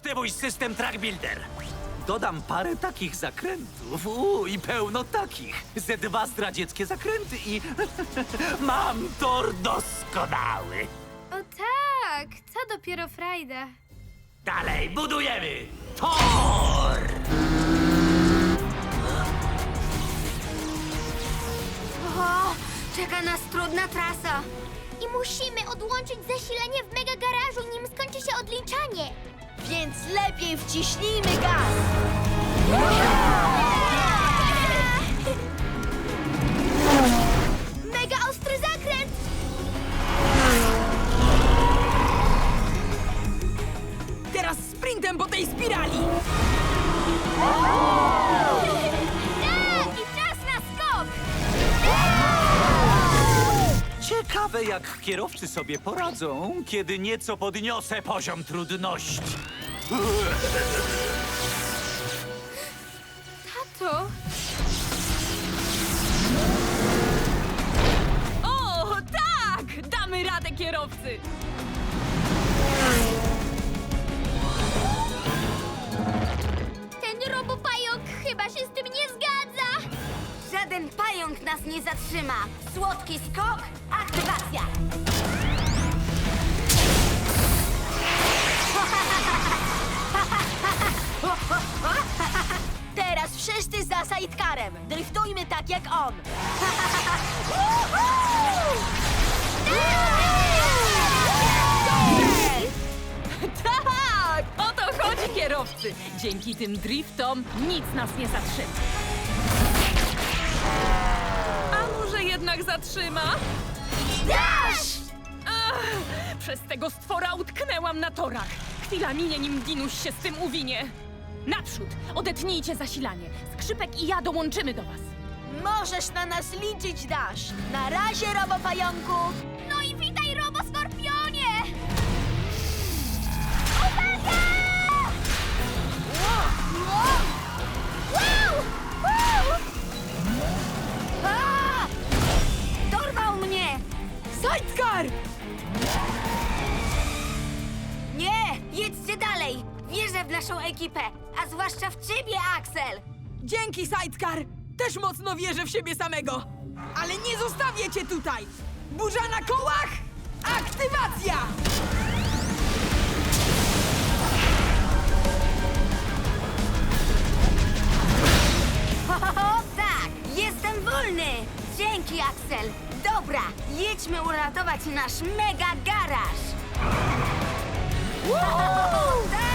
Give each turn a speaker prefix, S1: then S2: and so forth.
S1: Zacznę mój system Track Builder. Dodam parę takich zakrętów. I pełno takich. Ze 2 zdradzieckie zakręty i... mam tor doskonały.
S2: O tak, co dopiero frajda.
S1: Dalej budujemy tor!
S3: O, czeka nas trudna trasa. I musimy odłączyć zasilanie w mega garażu, nim skończy się odliczanie.
S4: Więc lepiej wciśnijmy gaz!
S3: Mega ostry zakręt!
S5: Teraz sprintem po tej spirali!
S3: Tak, i czas na skok!
S1: Ciekawe, jak kierowcy sobie poradzą, kiedy nieco podniosę poziom trudności.
S2: Tato,
S5: O, tak! Damy radę, kierowcy!
S3: Ten robopająk chyba się z tym nie zgadza!
S4: Żaden pająk nas nie zatrzyma! Słodki skok, aktywacja! Teraz wszyscy za sidecarem! Driftujmy tak jak on!
S5: Tak! O to chodzi, kierowcy! Dzięki tym driftom nic nas nie zatrzyma. A może jednak zatrzyma?
S4: Dash!
S5: Ach, przez tego stwora utknęłam na torach. Chwila minie, nim Dinuś się z tym uwinie. Naprzód! Odetnijcie zasilanie. Skrzypek i ja dołączymy do was.
S4: Możesz na nas liczyć, Dash! Na razie, robopająku!
S3: No i witaj, roboskorpionie!
S4: A! Dorwał mnie!
S5: Sidecar!
S4: Nie! Jedźcie dalej! Wierzę w naszą ekipę, a zwłaszcza w ciebie, Axel!
S5: Dzięki, Sidecar! Też mocno wierzę w siebie samego. Ale nie zostawię cię tutaj! Burza na kołach! Aktywacja!
S4: Ho, tak! Jestem wolny! Dzięki, Axel! Dobra, jedźmy uratować nasz mega garaż! Tak!